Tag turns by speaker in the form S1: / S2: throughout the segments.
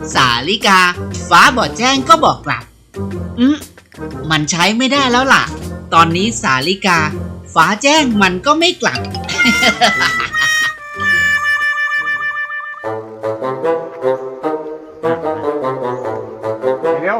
S1: สาลิกาฟ้าบอกแจ้งก็บอกกลับมันใช้ไม่ได้แล้วล่ะตอนนี้สาลิกาฟ้าแจ้งมันก็ไม่กลับ
S2: เร็ว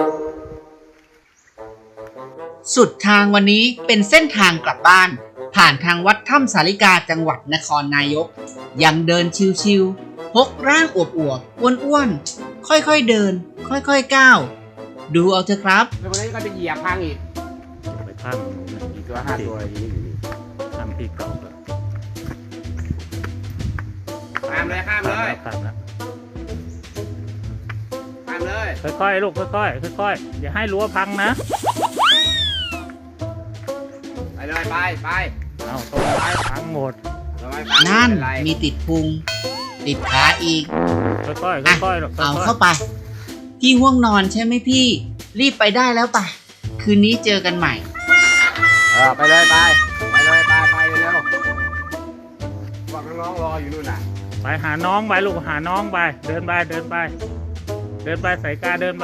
S1: สุดทางวันนี้เป็นเส้นทางกลับบ้านผ่านทางวัดถ้ำสาลิกาจังหวัดนครนายกยังเดินชิวๆพกร่างอวบๆอ้วนๆค่อยๆเดินค่อยๆก้าวดูเอาเถอะครับ
S2: แล้ววันนี้ก็จะเหยียบพังอีก
S3: ไปข้างนู้นนะ
S2: อีกตัว5ตัวอย่างนี้อยู่นี่
S3: ข้ามพี่เก่าแล้ว
S2: ข้ามเลยข้ามเลย
S3: ข้ามแล้ว
S2: ข้ามเลย
S3: ค่อยๆลูกค่อยๆค่อยๆอย่าให้รั้วพังนะ
S2: ไปเลยไป
S3: เอาต้นไม้พังหมด
S2: เราไม่ไป
S1: นั่น
S2: ไม่เป็ไร
S1: มีติดพุงติดขาอีก
S3: ค่อยๆ
S1: อ่ะ
S3: ค่อยๆลูกค่
S1: เอา
S3: อย
S1: เข้าไปพี่ง่วงนอนใช่ไหมพี่รีบไปได้แล้วป่ะคืนนี้เจอกันใหม่
S2: ไปเลยไปเร็วพวกน้องๆรออยู่นู่นน่ะ
S3: ๆไปหาน้องไปลูกหาน้องไปเดินไปเดินไปใส่กาเดินไป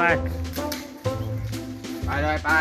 S2: ไปเลยไป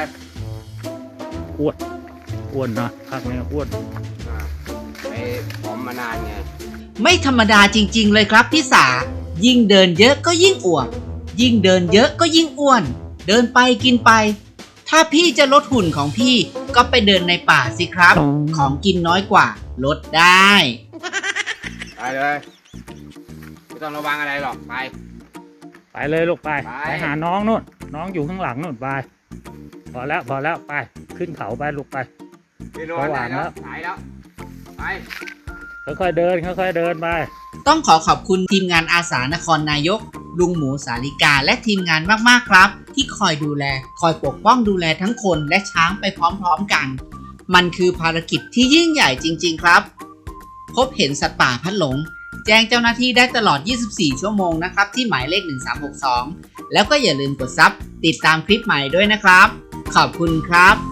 S3: อ้วนนะพักนี้อ้วน
S2: ไปผอมมานานไง
S1: ไม่ธรรมดาจริงๆเลยครับพี่สายิ่งเดินเยอะก็ยิ่งอวบยิ่งเดินเยอะก็ยิ่งอ้วนเดินไปกินไปถ้าพี่จะลดหุ่นของพี่ก็ไปเดินในป่าสิครับของกินน้อยกว่าลดได้
S2: ไปเลยไม่ต้องระวังอะไรหรอกไป
S3: ไปเลยลูกไป
S2: ไป
S3: ไปหาน้องนู่นน้องอยู่ข้างหลังนู่นไปพอแล้วไปขึ้นเขาไปลูกไป
S2: ไปนอนไหน
S3: ระวัง
S2: แล้
S3: แล้ว ว
S2: สายแล้วไป
S3: ค่อยๆเดินไป
S1: ต้องขอขอบคุณทีมงานอาสานครนายกลุงหมูสาลิกาและทีมงานมากๆครับที่คอยดูแลคอยปกป้องดูแลทั้งคนและช้างไปพร้อมๆกันมันคือภารกิจที่ยิ่งใหญ่จริงๆครับพบเห็นสัตว์ป่าพัดหลงแจ้งเจ้าหน้าที่ได้ตลอด 24 ชั่วโมงนะครับที่หมายเลข 1362 แล้วก็อย่าลืมกดซับติดตามคลิปใหม่ด้วยนะครับขอบคุณครับ